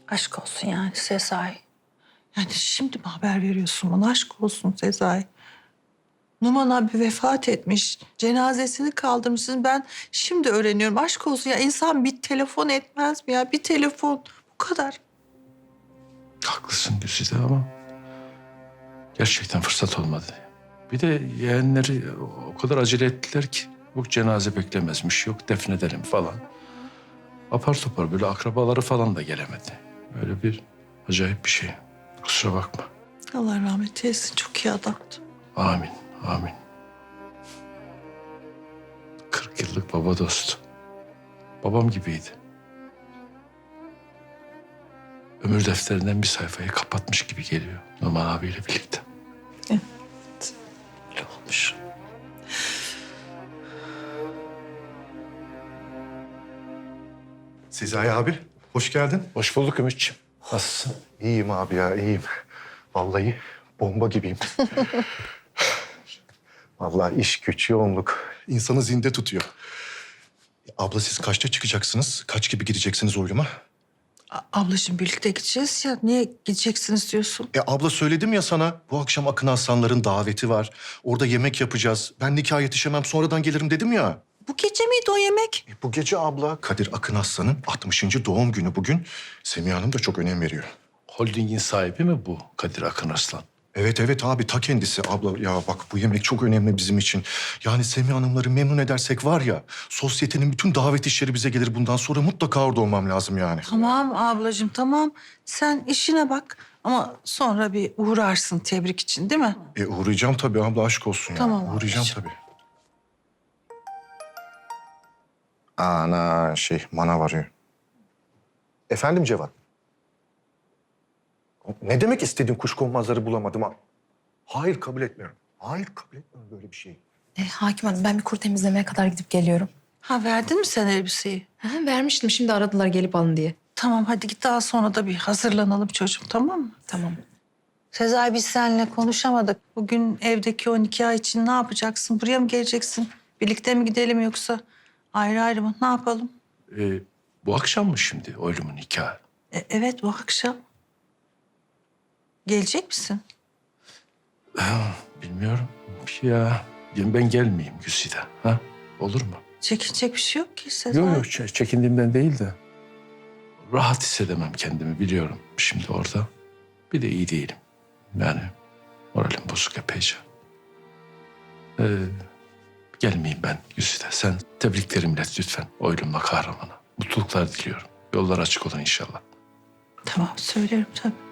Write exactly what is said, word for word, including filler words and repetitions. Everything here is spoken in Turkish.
Aşk olsun yani Sezai. Yani şimdi mi haber veriyorsun bana? Aşk olsun Sezai. Numan abi vefat etmiş. Cenazesini kaldırmışsın. Ben şimdi öğreniyorum. Aşk olsun ya. İnsan bir telefon etmez mi ya? Bir telefon. Bu kadar. Haklısın Güzide ama gerçekten fırsat olmadı. Bir de yeğenleri o kadar acele ettiler ki. Yok cenaze beklemezmiş, yok defnedelim falan. Apar topar böyle akrabaları falan da gelemedi. Öyle bir acayip bir şey. Kusura bakma. Allah rahmet eylesin. Çok iyi adamdı. Amin, amin. Kırk yıllık baba dostu. Babam gibiydi. Ömür defterinden bir sayfayı kapatmış gibi geliyor Numan abiyle birlikte. Evet. Öyle olmuş. Sezai abi, hoş geldin. Hoş bulduk Ümitciğim. Nasılsın? İyiyim abi ya, iyiyim. Vallahi bomba gibiyim. Vallahi iş, güç, yoğunluk insanı zinde tutuyor. Abla siz kaçta çıkacaksınız? Kaç gibi gideceksiniz oyluma? A- ablacığım birlikte gideceğiz ya. Niye gideceksiniz diyorsun? E abla söyledim ya sana, bu akşam Akın Aslanların daveti var. Orada yemek yapacağız. Ben nikaha yetişemem, sonradan gelirim dedim ya. Bu gece miydi o yemek? E, bu gece abla Kadir Akın Aslan'ın altmışıncı doğum günü bugün. Semiha Hanım da çok önem veriyor. Holdingin sahibi mi bu Kadir Akın Arslan? Evet evet abi ta kendisi. Abla ya bak bu yemek çok önemli bizim için. Yani Semiha Hanımları memnun edersek var ya sosyetenin bütün davet işleri bize gelir. Bundan sonra mutlaka orada olmam lazım yani. Tamam ablacığım tamam. Sen işine bak. Ama sonra bir uğrarsın tebrik için değil mi? E uğrayacağım tabii abla aşk olsun ya. Tamam Uğrayacağım ablacığım. tabii. Ana şey manav arıyor. Efendim Cevat? Ne demek istediğin kuşkonmazları bulamadım ha? Hayır kabul etmiyorum. Hayır kabul etmiyorum böyle bir şeyi. E, Hakim Hanım ben bir kur temizlemeye kadar gidip geliyorum. Ha verdin mi sen elbiseyi? Ha, vermiştim şimdi aradılar gelip alın diye. Tamam hadi git daha sonra da bir hazırlanalım çocuğum tamam mı? Tamam. Sezai biz seninle konuşamadık. Bugün evdeki o nikah için ne yapacaksın? Buraya mı geleceksin? Birlikte mi gidelim yoksa ayrı ayrı mı? Ne yapalım? Ee, bu akşam mı şimdi oylumun nikahı? E, evet bu akşam. Gelecek misin? Bilmiyorum. Ya ben gelmeyeyim Güzide. Ha? Olur mu? Çekinecek bir şey yok ki Sezai. Yok yok ç- çekindiğimden değil de rahat hissedemem kendimi biliyorum şimdi orada. Bir de iyi değilim. Yani moralim bozuk epeyce. Ee, gelmeyeyim ben Güzide. Sen tebriklerimi ilet lütfen oylumla kahramana. Mutluluklar diliyorum. Yollar açık olan inşallah. Tamam söylerim tabii.